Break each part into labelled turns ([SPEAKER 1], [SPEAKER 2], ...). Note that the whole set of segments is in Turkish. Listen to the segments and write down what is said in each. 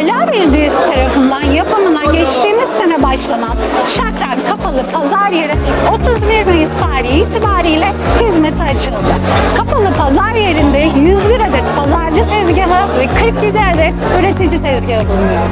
[SPEAKER 1] Ala Belediyesi tarafından yapımına geçtiğimiz sene başlanan Şakrak Kapalı Pazar Yeri 31 Mayıs tarihi itibariyle hizmete açıldı. Kapalı pazar yerinde 101 adet pazarcı tezgahı ve 47 adet üretici tezgahı bulunuyor.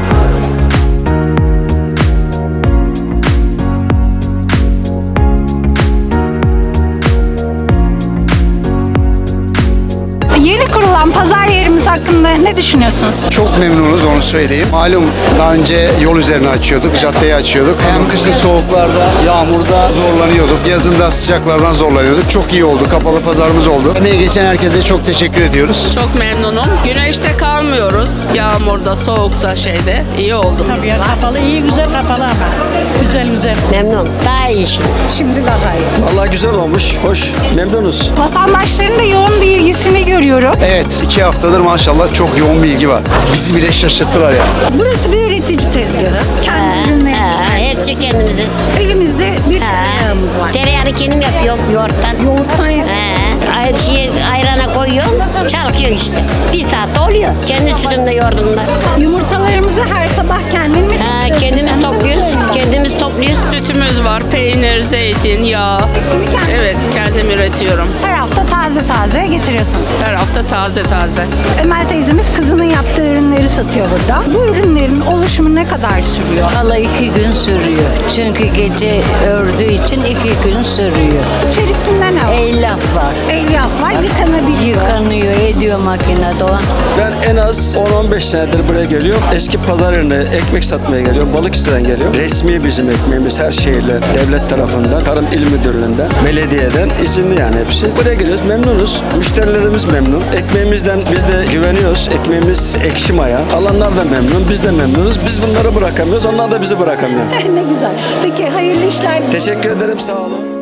[SPEAKER 1] Yeni kurulan pazar yerimiz hakkında ne düşünüyorsunuz?
[SPEAKER 2] Çok memnunuz, onu söyleyeyim. Malum daha önce yol üzerine açıyorduk, caddeyi açıyorduk. Hem kışın soğuklarda, yağmurda zorlanıyorduk. Yazında sıcaklardan zorlanıyorduk. Çok iyi oldu. Kapalı pazarımız oldu. Emeği geçen herkese çok teşekkür ediyoruz.
[SPEAKER 3] Çok memnunum. Güneşte kalmıyoruz. Yağmurda, soğukta şeyde. İyi oldu.
[SPEAKER 4] Tabii ya, kapalı iyi, güzel kapalı ama. Güzel.
[SPEAKER 5] Memnun. Daha iyi şimdi.
[SPEAKER 4] Şimdi daha iyi.
[SPEAKER 6] Vallahi güzel olmuş, hoş, memnunuz.
[SPEAKER 1] Vatandaşların da yoğun bir ilgisini görüyorum.
[SPEAKER 2] Evet, 2 haftadır maşallah çok yoğun bir ilgi var. Bizi bile şaşırttılar ya.
[SPEAKER 1] Burası bir üretici tezgahı. Kendi ürünleri.
[SPEAKER 5] Hepsi kendimizin.
[SPEAKER 1] Elimizde bir tereyağımız var.
[SPEAKER 5] Tereyağını kendim yapıyorum yoğurttan.
[SPEAKER 1] Yoğurttan yapıyoruz.
[SPEAKER 5] Ayrana koyuyorum, çalkıyor işte. Bir saatte oluyor. Kendi sütümde, yoğurdumda.
[SPEAKER 1] Yumurtalarımızı her sabah kendin mi?
[SPEAKER 5] Kendimiz topluyoruz. Kendimiz topluyoruz.
[SPEAKER 3] Sütümüz var. Peynir, zeytin, yağ.
[SPEAKER 1] Hepsini kendin.
[SPEAKER 3] Evet, kendim üretiyorum.
[SPEAKER 1] Her hafta taze getiriyorsunuz.
[SPEAKER 3] Her hafta taze.
[SPEAKER 1] Emel teyzemiz kızının yaptığı ürünleri satıyor burada. Bu ürünlerin oluşumu ne kadar sürüyor?
[SPEAKER 7] Valla 2 gün sürüyor. Çünkü gece ördüğü için 2 gün sürüyor.
[SPEAKER 1] İçerisinde ne var?
[SPEAKER 7] Elyaf var.
[SPEAKER 1] Elyaf var, yıkanabiliyor.
[SPEAKER 7] Yıkanıyor, ediyor makinede o.
[SPEAKER 6] Ben en az 10-15 senedir buraya geliyorum. Eski pazar yerine ekmek satmaya geliyorum. Balıkesir'den geliyorum. Resmi bizim ekmeğimiz her şeyle devlet tarafından, Tarım İl Müdürlüğü'nden, belediyeden izinli yani hepsi. Buraya geliyoruz, memnunuz. Müşterilerimiz memnun. Ekmeğimizden biz de güveniyoruz. Ekmeğimiz ekşi maya. Alanlar da memnun, biz de memnunuz. Biz bunları bırakamıyoruz, onlar da bizi bırakamıyor.
[SPEAKER 1] Ne güzel. Peki hayırlı işler.
[SPEAKER 6] Teşekkür ederim, sağ olun.